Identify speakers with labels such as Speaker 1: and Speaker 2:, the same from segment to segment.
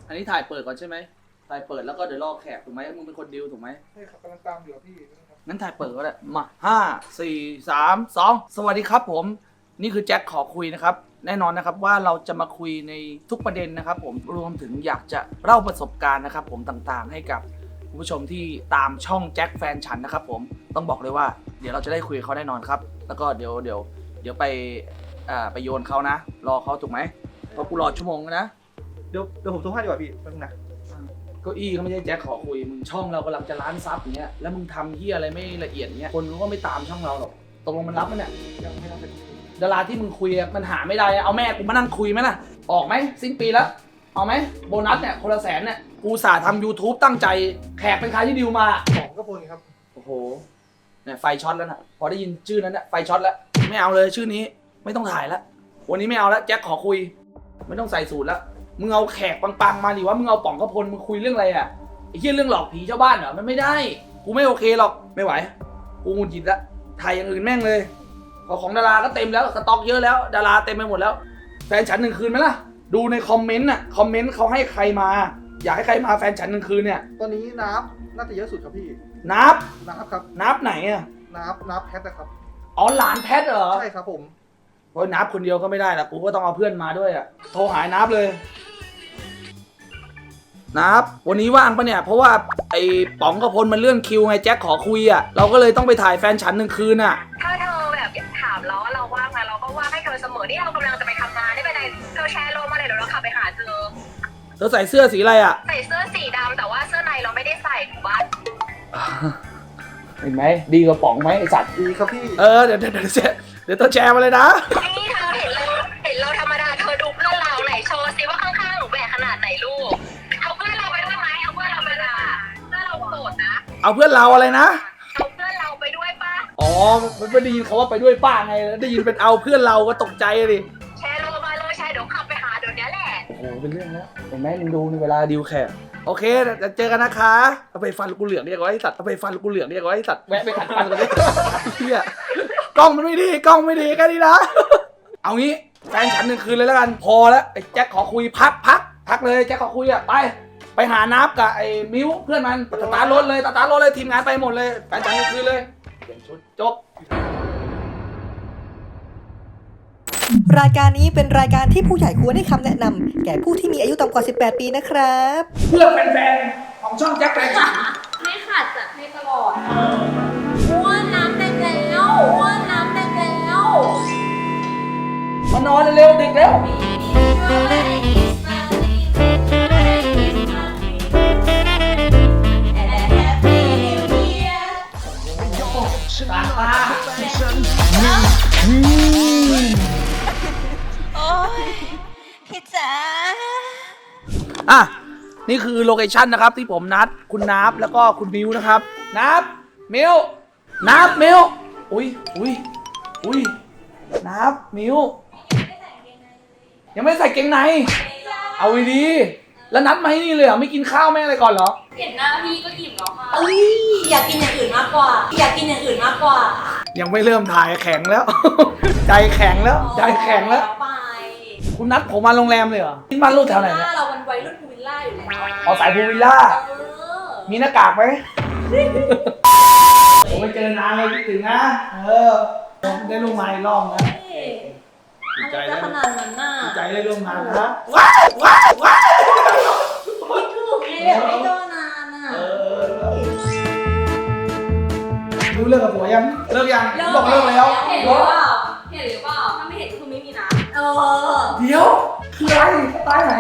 Speaker 1: อันนี้ถ่ายเปิดก่อนใช่ไหมถ่ายเปิดแล้วก็เดี๋ยวรอแขกถูกไหมมึงเป็นคนดีลถูกไหม
Speaker 2: ใช่ครับกำลังตามอยู่พี่
Speaker 1: งั้นถ่ายเปิดก็ได้มา5 4 3 2สวัสดีครับผมนี่คือแจ็คขอคุยนะครับแน่นอนนะครับว่าเราจะมาคุยในทุกประเด็นนะครับผมรวมถึงอยากจะเล่าประสบการณ์นะครับผมต่างๆให้กับคุณผู้ชมที่ตามช่องแจ็คแฟนฉันนะครับผมต้องบอกเลยว่าเดี๋ยวเราจะได้คุยกับเขาแน่นอนครับแล้วก็เดี๋ยวไปโยนเขานะรอเขาถูกไหมเพราะกูรอชั่วโมงนะ
Speaker 2: เดี๋ยวผมโทรให้ดีกว่าพี่แป๊บนึงนะ
Speaker 1: เก้าอี้ก็ไม่ใช่แจ็คขอคุยมึงช่องเรากำลังจะล้านซับอย่างเงี้ยแล้วมึงทำเหี้ยอะไรไม่ละเอียดเงี้ยคนก็ไม่ตามช่องเราหรอกตกลงมันรับมั้ยเนี่ย
Speaker 2: ยังไม่รับเป็น
Speaker 1: ดาราที่มึงคุยมันหาไม่ได้เอาแม่กูมานั่งคุยไหมล่ะออกไหมสิ้นปีแล้วเอาไหมโบนัสเนี่ยคนละ100,000เนี่ยกูสาทำ YouTube ตั้งใจแขกเป็นใครที่ดิวมา
Speaker 2: 2ก็พลครับ
Speaker 1: โอ้โหเนี่ยไฟช็อตแล้วนะพอได้ยินชื่อนั้นเนี่ยไฟช็อตแล้วไม่เอาเลยชื่อนี้ไม่ต้องถ่ายแล้ววันนี้ไม่เอาแล้วแจ็คขอคุยไม่ต้องใส่สูตรแล้วมึงเอาแขกปังๆมาดิว่ามึงเอาป๋องกระพลมึงคุยเรื่องอะไรอ่ะไอ้เหี้ยเรื่องหลอกผีชาวบ้านเหรอมันไม่ได้กูไม่โอเคหรอกไม่ไหวกูหงุดหงิดละถ่ายอย่างอื่นแม่งเลยของดาราก็เต็มแล้วสต็อกเยอะแล้วดาราเต็มไปหมดแล้วแฟนฉัน1 คืนไหมล่ะดูในคอมเมนต์น่ะคอมเมนต์เขาให้ใครมาอยากให้ใครมาแฟนฉัน1 คืนเนี่ย
Speaker 2: ตอนนี้นับน่าจะเยอะสุดครับพี่
Speaker 1: นับ
Speaker 2: ครับ
Speaker 1: นับไหนอ่ะ
Speaker 2: นับแพทนะครับ
Speaker 1: อ๋อหลานแพทเหรอ
Speaker 2: ใช่ครับผม
Speaker 1: เพราะนับคนเดียวก็ไม่ได้ละกูก็ต้องเอาเพื่อนมาด้วยอ่ะโทรหานับเลยนับวันนี้ว่างปะเนี่ยเพราะว่าไอ้ป๋องกระพลมันเลื่อนคิวไงแจ็คขอคุยอ่ะเราก็เลยต้องไปถ่ายแฟนฉัน1 คืนอ่ะ
Speaker 3: ถ้าเธอแบบถามเราว่าเราว่างไหมเราก็ว่างให้เธอเสมอที่เรากำลังจะไปทำงานได้ไปไหนเธอแชร์โลมาเลยเดี๋ยวเราขับไปหาเธอ
Speaker 1: ใส่เสื้อสีอะไรอ่ะ
Speaker 3: ใส่เสื้อสีดำแต่ว่าเสื้อในเราไม่ได้ใส่ถูกปะ
Speaker 1: เห็นไหมดีกว่าป๋องไหมไอสัตว์
Speaker 2: ดีครับพี่
Speaker 1: เดี๋ยวต้องแชร์มาเลยนะ
Speaker 3: นี่เธอเห็นเราธรรมดาเธอดูเพื่อนเราไหนโชว์ซิว่าข้างๆหนูแบกขนาดไหนลูกเอาเพื่อนเราไปด้วยไหมเอาเพื่อนเราไปด้วยเพื่อนเราโสดนะ
Speaker 1: เอาเพื่อนเราอะไรนะ
Speaker 3: เอาเพื่อนเราไปด้วยป่ะ
Speaker 1: อ๋อไม่ได้ยินเขาว่าไปด้วยป้าไงได้ยินเป็นเอาเพื่อนเราก็ตกใจเลย
Speaker 3: แชร์โลมาเลยแชร์เดี๋ยวขับไปหาเดี๋ยวนี้แหละ
Speaker 1: โอ้โหเป็นเรื่องแล้วเห็นไหมมึงดูในเวลาดิวแขกโอเคจะเจอกันนะคะเอาไปฟันกูเหลืองเรียกว่าไอ้สัตว์เอาไปฟันกูเหลืองเรียกว่าไอ้สัตว์แวะไปขัดฟันกันเลยเฮียกล้องมันไม่ดีกล้องไม่ดีแค่นี้นะเอางี้แฟนฉัน1 คืนเลยแล้วกันพอแล้วไอ้แจ็คขอคุยพักเลยแจ็คขอคุยอ่ะไปหานับกับไอ้มิ้วเพื่อนมันสตาร์ทรถเลยทีมงานไปหมดเลยแฟนฉัน1 คืนเลยเปลี่ยนชุดจบ
Speaker 4: รายการนี้เป็นรายการที่ผู้ใหญ่ควรให้คำแนะนำแก่ผู้ที่มีอายุต่ำกว่า 18 ปีนะครับ
Speaker 1: เพื่อแฟนๆของช่องแจ็คแฟนฉัน
Speaker 3: ไม่ขาดจัดให้ตลอดอ้วนน้ำแดงแล้วอ้วนน้ำแดงแล้ว
Speaker 1: มานอนเร็วดึกแล้วตา
Speaker 4: โอ้ยพี่จ๋า
Speaker 1: นี่คือโลเคชั่นนะครับที่ผมนัดคุณนับแล้วก็คุณมิวนะครับนับมิวอุ้ยนับมิวยังไม่ใส่เกงในเอาดีแล้วนัดมาให้นี่เลยเหรอไม่กินข้าวแม่อะไรก่อนเหรอ
Speaker 3: เห็นหน้าพี่ก็อิ่มแล้วค่ะ
Speaker 4: อยากกินอย่างอื่นมากกว่า
Speaker 1: ยังไม่เริ่มถ่ายแข็งแล้ว ใจแข็งแล้วคุณนัดผมมาโรงแรมเลยเหรอที่บ้านลูกแถวไหนเนี่ย
Speaker 4: เราเป็นวัยรุ่นพูวิลล่าอยู่แล้ว
Speaker 1: สายพูวิลล่ามีหน้ากากไหมผมไปเจอนานเลยคิดถึงนะผมได้ร่วมงานรอบนะ
Speaker 4: ดีใจแล้วขนาดนั้นน่ะ
Speaker 1: ดีใจได้ร่วมงานนะ
Speaker 4: ว้าวคิดถึงเลยแบบไม่เจอนานอ่ะ
Speaker 1: รู้เรื่องกับผัวยังเลิกยังบอกเลิกแล้ว
Speaker 3: เห็นหรือเปล่าถ้าไม่เห็นก็คือไม่มีนะ
Speaker 1: เดี๋ยวคืออะไรสไตล์ไหน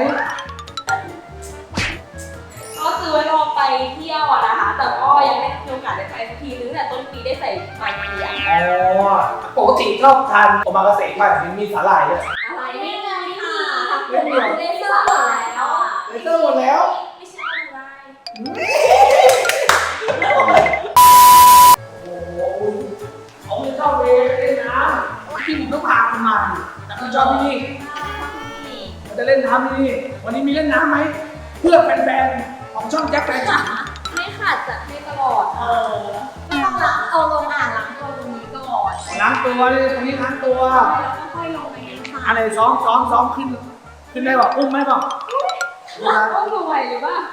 Speaker 3: ก็ซื้อไว้รอไปเที่ยวนะคะแต่ก็ยังไม่มีโอกาสได้ไปสักทีนึงแต่ต้นปีได้ใส่ปลายปี
Speaker 1: ปกติชอบทานโอมากาเสะป่ะมีสาหร่ายด้วย
Speaker 3: อะไรไม่มีค่ะเลเซอร์หมดแล้วไม่ใช่อะไร
Speaker 1: เขาไม่ชอบเล่นน้ำที่ผมต้องพาคุณมาแต่เขาชอบที่นี่เขาจะเล่นน้ำที่นี่วันนี้มีเล่นน้ำไหมเพื่อแฟนๆของช่องแจ็คแฟนฉัน
Speaker 3: ไม่ขาดจัดให้ตลอดไม่ต้องล้างเอาลงล้างตัวตรงนี้ก่อน
Speaker 1: ล้างตัวเลยตรงนี้ล้างตัว
Speaker 3: แล้วก็ค่อยลงไปค่ะ
Speaker 1: อะไรซ้อมขึ้นได้ป่ะอุ้มไหมป่ะ
Speaker 3: ท
Speaker 5: ไหวหรือเปล่า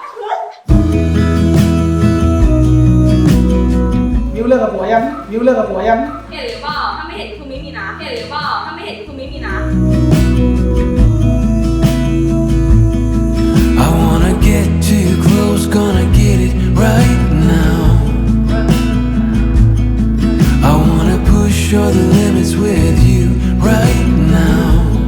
Speaker 1: มิวเลิกกับผัวยังมิวเลิกกับผัวยัง
Speaker 5: เห็นหรือเปล่าถ้าไม่เห็นคือไม่มีนะเห็นหรือเปล่าถ้าไม่เห็นคือไม่มีนะ
Speaker 6: I wanna get too close, gonna get it right now. I wanna push all the limits with you right now.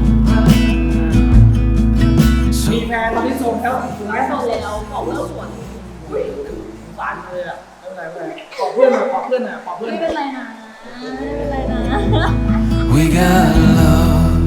Speaker 1: มีแฟนตอนนี้โสดแล้วถูกไหม
Speaker 5: โซนแล้วบอกเลิกสวน
Speaker 1: สารเลยอ่ะไม่เป็นไรไม่เป็นไรขอเพื่อนหน่อยขอเพื่อนหน่อยขอเพื่อนห
Speaker 5: ไม่
Speaker 1: น่อย
Speaker 5: เป็นไรนะไม่เป็นไรนะ
Speaker 6: We got love.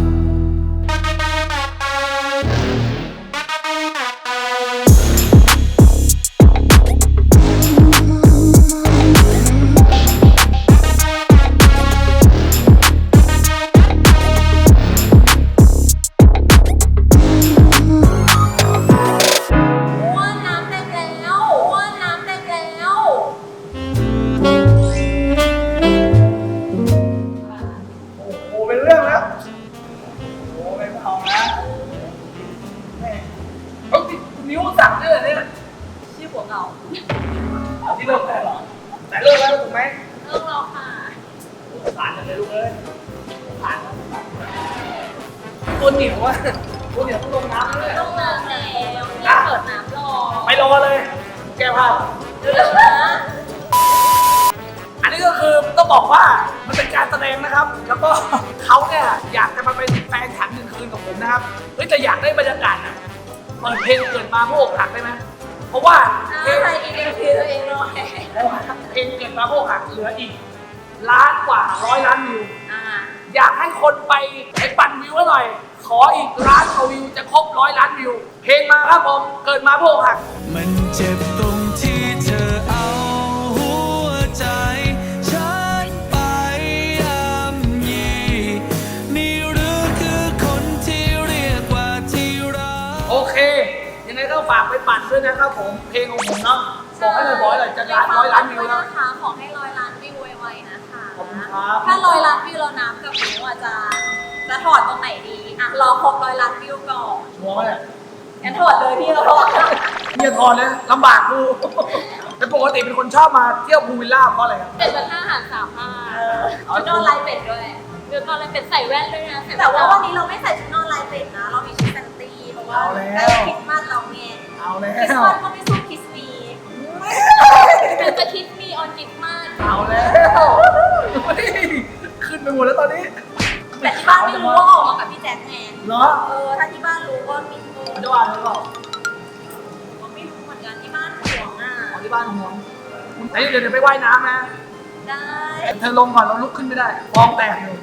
Speaker 1: โอ้เป็นเรื่องแล้วโอ้ไม่เอานะแม่เฮ้ยนิ้วสั่งด้วยเหรอเนี่ย
Speaker 5: ชื่อหัวเก่า
Speaker 1: ที่เลิกแล้วเหรอแต่เลิกแล้วถูกไหม
Speaker 5: เลิกเราค่ะ
Speaker 1: ผ่านเลยลูกเอ้ยผ่านตัวเหนียวอ่ะตัวเหนียวต้องลงน้ำเลย
Speaker 5: ต้องน้ำแล้วนี่เปิดน้ำรอ
Speaker 1: ไปรอเลย แก้ผ้า
Speaker 5: เร็วๆนะ
Speaker 1: อันนี้ก็คือต้องบอกว่ามันเป็นการแสดงนะครับ แล้วก็เขาเนี่ยอยากจะมาเป็นแฟนฉันหนึ่งคืนกับผมนะครับเฮ้ยแต่อยากได้บรรยากาศนะเปิดเพลงเกิดมาพวกหักได้ไหมเพราะว่าเพลง
Speaker 5: ใครอีเอ็มพีตัวเองหน่อย
Speaker 1: เพลงเกิดมาพวกหักเหลืออีกล้านกว่า100 ล้านวิว
Speaker 5: อ่า
Speaker 1: อยากให้คนไปปั่นวิวให้หน่อย ขออีกล้านกว่าวิวจะครบ100 ล้านวิว เพลงมาครับผมเกิดมาพวกหัก
Speaker 6: มันเจ็บตรงที่เธอเอาหัวใจฉันไปย่ำยีนี่หรือคือคนที่เรียกว่าที่รัก
Speaker 1: โอเค ยังไงก็ฝากไปปั่นด้วยนะครับผม เพลงของผมเนาะบอกให้เลยบอกให้เลยจะ100 ล้านวิวแล้ว
Speaker 5: นะคะขอให้100 ล้านวิวไวๆนะคะ
Speaker 1: ขอบคุณครับ
Speaker 5: ถ้า100 ล้านวิวเราน้ำกับหนูอ่ะจะถอดตรงไหนดีอ่ะรอครบ100 ล้านวิวก่อน
Speaker 1: ชัวร์ไหมเนี่ย
Speaker 5: งั้นถอดเลยพี่เราถอด
Speaker 1: อย่าถอนเลยลำบากกูแต่ปกติเป็นคนชอบมาเที่ยวพูลวิลล่าเพราะอะไรครับ
Speaker 5: เป็ดเป็น5 อาหาร3 ผ้าชุดนอนลายเป็ดด้วยชุดนอนลายเป็ดใส่แว่นด้วยนะแต่ว่าวันนี้เราไม่ใส่ชุดนอนลายเป็ดนะ เรามีชุดแฟนตีเพราะว่าใกล้คริสต์มาสเราไง
Speaker 1: เอาแล้
Speaker 5: คริสต์
Speaker 1: ว
Speaker 5: มาสก็ไม่สู้คริสต์มีเป็นจะคริสต์มีออนคริสต์มาส
Speaker 1: เอาแล้วเฮ้ยขึ้นไปหมดแล้วตอนนี้
Speaker 5: แต่ที่บ้านไม่รู้ว่าออกมากับพี่แจ็คไง
Speaker 1: เนาะ
Speaker 5: ถ้าที่บ้านรู้ก็มี
Speaker 1: มันจะว่าหรือเปล่า
Speaker 5: ก็ไม่รู้เหมือนกันที่บ้านห่วงอ่ะ
Speaker 1: ของที่บ้านห่วงเดี๋ยวไปว่ายน้ำนะ
Speaker 5: ได้
Speaker 1: เธอลงก่อนเราลุกขึ้นไม่ได้ฟองแตกอยู่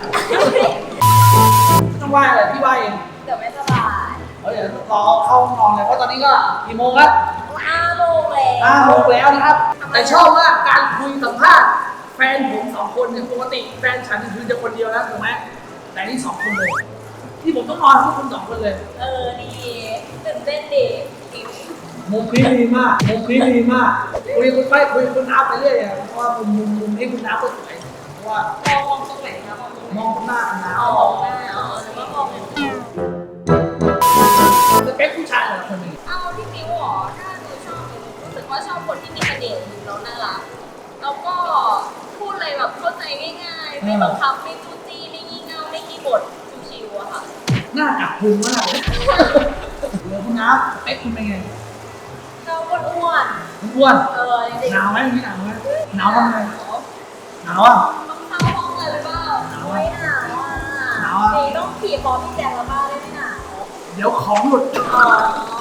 Speaker 1: ต้องว่ายอะไรพี่ว่ายเอง
Speaker 5: เดี๋ยวไม่สบาย
Speaker 1: เดี๋ยวรอเข้าห้องนอนเลยเพราะตอนนี้ก็กี่โมงแล้ว
Speaker 5: 5 โมงแล้ว
Speaker 1: 5 โมงแล้วนะครับ แต่ชอบว่าการคุยสัมภาษณ์แฟนผม2 คนเนี่ยปกติแฟนฉันคือจะคนเดียวแล้วถูกไหมแต่นี่2 คนเลยที่ผมต้องนอนพวกคุณ2 คนเลย
Speaker 5: ดีตื่นเต้นดีจริง
Speaker 1: มุมนี้ดีมากมุมนี้ดีมากคุยคุณไปคุยคุณน้าไปเรื่อยเพราะว่ามุมนี้คุณน้าก็สวยเพราะว่าม
Speaker 5: องตรงไหนคะมองตรงไหน
Speaker 1: มองหน้าคุณน้า
Speaker 5: อ๋อหน้าอ๋อหรือว่ามองอย่างนี้
Speaker 1: สเปคผู้ชายแต่ละคนเป็นไง
Speaker 5: เอาพี่มิวหรอถ้าหนูชอบหนูรู้สึกว่าชอบคนที่มีเสน่ห์แล้วน่ารักแล้วก็พูดอะไรแบบเข้าใจง่ายๆไม่บังคับไม่จู้จี้ไม่งี่เง่าไม่ขี้บ่นชิวๆอะค่ะ
Speaker 1: หน้าจับพุงมากเลยเหลือคุณน้าสเปคคุณเป็นไง
Speaker 5: ชอบอ้วน
Speaker 1: อ้วน
Speaker 5: ๆจริง
Speaker 1: หนาวไหมนี่หนาวไหมหนาวทำไง
Speaker 5: ๆ
Speaker 1: หนาวอ่ะ
Speaker 5: ต้องเข้าห้องเลยหรือเปล่า
Speaker 1: หนาวอะ
Speaker 5: ไม่หนาวอ่ะ
Speaker 1: หนาวอะ
Speaker 5: นี่ต้องขี่คอพี่แจงแล้วบ้าได้ไม่หนาว
Speaker 1: เดี๋ยวของหลุด
Speaker 5: อ๋อ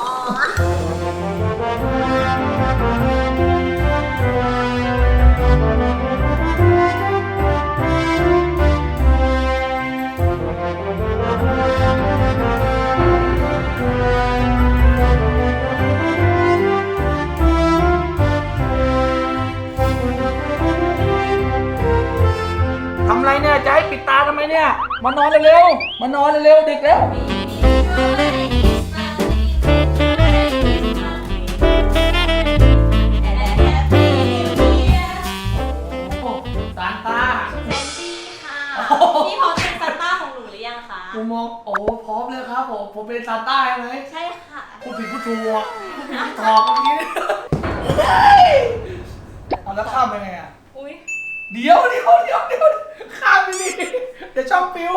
Speaker 1: ทำไรเนี่ยจะให้ปิดตาทำไมเนี่ยมานอนเร็วๆมานอนเร็วๆดึกแล้วซานต้า
Speaker 5: แซนดี้ค่ะ พี่พร้อมเป็นซานต้าของหนูหรือยังคะ
Speaker 1: ผมมองโอ้พร้อมเลยครับผมเป็นซาใต้ไหม
Speaker 5: ใช่ค่ะ
Speaker 1: พูดผิดพูดถูกอ่ะพูดผิดพูดถอกเมื่อกี้เอาแล้วข้ามไปไงอ่ะ
Speaker 5: อุ้ย
Speaker 1: เดี๋ยวข้ามไปดิเดี๋ยวช่องปิว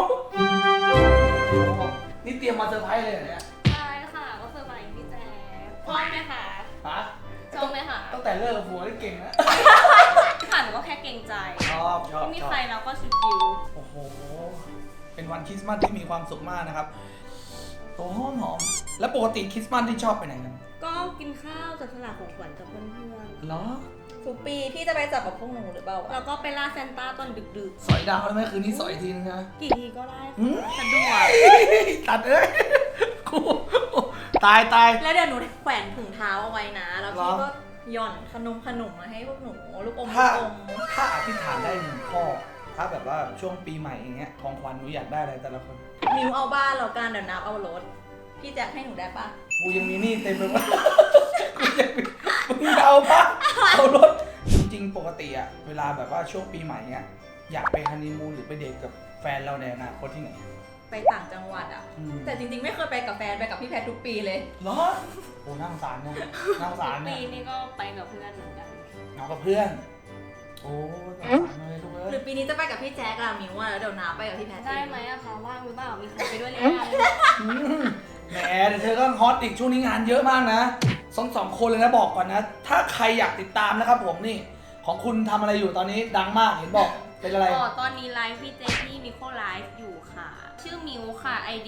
Speaker 1: นี่เตรียมมาเซอร์ไพรส์เลยเหรอเนี่ย
Speaker 5: ใช่ค่ะก็เซอร์ไพรส์พี่แจ๊คชอบไหมคะ
Speaker 1: ฮะ
Speaker 5: ชอบไหมคะ
Speaker 1: ตั้งแต่เลิกกับผัวได้เก่งนะ
Speaker 5: ค่ะหนูก็แค่เกรงใจ
Speaker 1: ชอบ
Speaker 5: ไม่มีใครแล้วก็ชิว
Speaker 1: โอ้โห เป็นวันคริสต์มาสที่มีความสุขมากนะครับโอ้หอมแล้วปกติคริสต์มาสที่ชอบไปไหนกัน
Speaker 5: ๆก็กินข้าวจัดสลากของขวัญกับเพื่อน
Speaker 1: เหรอ
Speaker 4: ทุกปีพี่จะไปจับกับพวกหนูหรือเปล่า
Speaker 5: ๆแล้วก็ไปล่าซานต้าตอนดึก
Speaker 1: สอยดาวได้ไหมคืนนี้สอยอีกทีนึงนะ
Speaker 5: ๆกี่ทีก็ได้
Speaker 1: อืม
Speaker 5: สะดวก
Speaker 1: ตัดเอ้ยกูตาย
Speaker 4: แล้วเดี๋ยวหนูแขวนถุงเท้าเอาไว้นะ แล้วพี่
Speaker 1: เหรอ
Speaker 4: ก็หย่อนขนมมาให้พวกหนูลูกอม
Speaker 1: ถ้า
Speaker 4: ลูกอม
Speaker 1: ถ้าอธิษฐานได้หนึ่งข้อ ถ้าแบบว่าช่วงปีใหม่อย่างเงี้ยของขวัญหนูอยากได้อะไรแต่ละคน
Speaker 4: มิวเอาบ้านแล้วกันเดี๋ยวนับเอารถพี่แจ็คให้หนูได้ปะ
Speaker 1: กูยังมีหนี้เต็มไปหมด กูยังมีมึงเอาปะเอารถ จริงๆ ปกติอะเวลาแบบว่าช่วงปีใหม่เนี้ยอยากไปฮันนีมูนหรือไปเดทกับแฟนเราในอนาคตที่ไหน
Speaker 4: ไปต่างจังหวัดอ่ะ
Speaker 1: อืม
Speaker 4: แต่จริงๆไม่เคยไปกับแฟนไปกับพี่แพททุกปีเลย
Speaker 1: เหรอโอ้นั่งสารเนี่ยนั่งสารเนี่
Speaker 5: ปี
Speaker 1: ย
Speaker 5: นี้ก็ไปกับเพื่อนเหมือนกัน
Speaker 1: เอากับเพื่อน โอ้นั่งสารเลยลูกเอ้
Speaker 4: หรือย ปีนี้จะไปกับพี่แจ็คอะมิวอะแล้วเดี๋ยวน้าไปกับพี่แพท
Speaker 5: ได้ไหมอะคะว่างหรือเปล่ามีใครไปด้วยหรือยัง
Speaker 1: อืมแหมเดี๋ยวเธอก็ฮอตอีกช่วงนี้งานเยอะมากนะสองคนเลยนะบอกก่อนนะ ถ้าใครอยากติดตามนะครับผมนี่ ของคุณทำอะไรอยู่ตอนนี้ดังมากเห็นบอกเป็นอะไร
Speaker 5: อ๋อตอนนี้ไลฟ์พี่เจที่มิโคไลฟ์อยู่ค่ะ ชื่อมิวค่ะ ID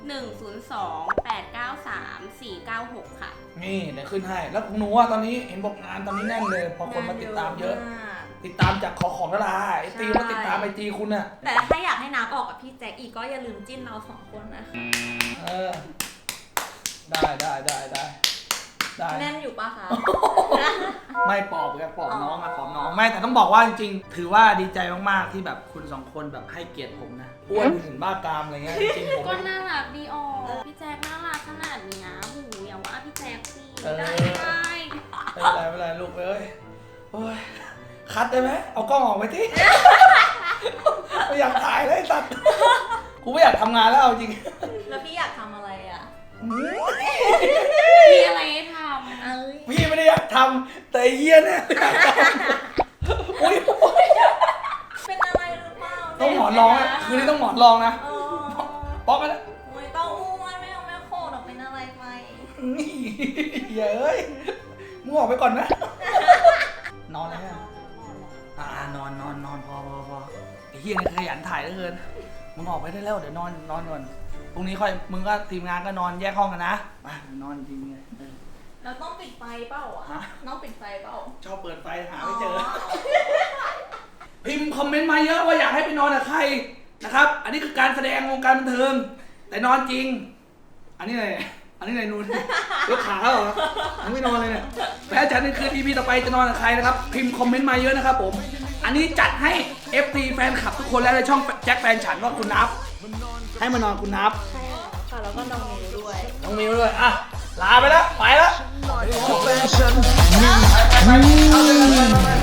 Speaker 5: 102-893-496 ค่ะ
Speaker 1: นี่เดี๋ยวขึ้นให้ แล้วของหนูอะตอนนี้เห็นบอกงานตอนนี้แน่นเลย พอคนมาติดตามเยอะ ติดตามจากของดาราไอตีมาติดตามไอจีคุณอะ
Speaker 4: แต่ถ้าอยากให้น้าออกกับพี่แจ็คอีกก็อย่าลืมจิ้นเราสองคนนะคะ
Speaker 1: เออ ได้
Speaker 4: แน่นอยู่ปะคะ
Speaker 1: ไม่ปอบกันปอบน้องอะปอบน้องไม่แต่ต้องบอกว่าจริงๆ ถือว่าดีใจมากๆที่แบบคุณสองคนแบบให้เกียรติผมนะอ้วนถึงบ้ากามอะไรเงี้ยจริงๆผม
Speaker 5: ก็น่ารักดีออกพี่แจ๊คน่ารักขนาดเนี้ยหูอย่าว่าพี่แจ๊คสิ
Speaker 1: เออ
Speaker 5: ได้
Speaker 1: ไม่เป็นไรลูกเอ้ยโอ้ยคัดได้ไหมเอากล้องออกไปที่ ไม่อยากถ่ายเลยไอ้สัตว์กูไม่อยากทำงานแล้วเอาจริง
Speaker 4: แล้วพี่อยากทำอะไรอะ
Speaker 5: มีอะไรให้ท
Speaker 4: เอ้ย
Speaker 1: พี่ไม่ได้อยากทำแต่ไอ้เหี้ยเนี่ยอยากทำอุ้ย
Speaker 4: เป็นอะไรหรือเปล่า
Speaker 1: ต้องหมอนรองนะคืนนี้ต้องหมอนรองนะ
Speaker 4: เออ
Speaker 1: ป๊อกกันนะ
Speaker 4: ไม่ต้องอ้วนไม่เอาแม่โคตรเป็นอะไรไป
Speaker 1: นี่เย้ยมึงออกไปก่อนนะ นอนเลยฮะนอนพอไอ้เหี้ยนี่ขยันถ่ายเหลือเกินมึงออกไปได้แล้วเดี๋ยวนอนก่อนพรุ่งนี้ค่อยมึงก็ทีมงานก็นอนแยกห้องกันนะไปนอนจริงเลย
Speaker 4: เราต้องปิดไฟเปล่าอะ
Speaker 1: ฮะ
Speaker 4: น้องปิดไฟเปล่า
Speaker 1: ชอบเปิดไฟหาไม่เจอ พิมพ์คอมเมนต์มาเยอะว่าอยากให้ไปนอนกับใครนะครับ อันนี้คือการแสดงวงการบันเทิง แต่นอนจริง อันนี้อะไรนูนยกขาแล้วเหรอยังไม่นอนเลยเนี่ยแม้จะในคืน EP ต่อไปจะนอนกับใครนะครับ พิมพ์คอมเมนต์มาเยอะนะครับผม อันนี้จัดให้ FT แฟนคลับทุกคนแล้วในช่องแจ็คแฟนฉันว่าคุณนับ ให้มานอนคุณนับ
Speaker 4: ใช่ค่ะ แล้วก็น้องมิวด้วย
Speaker 1: น้องมิวด้วยอ่ะลาไปแล้วไปแล้ว
Speaker 6: แฟชั่น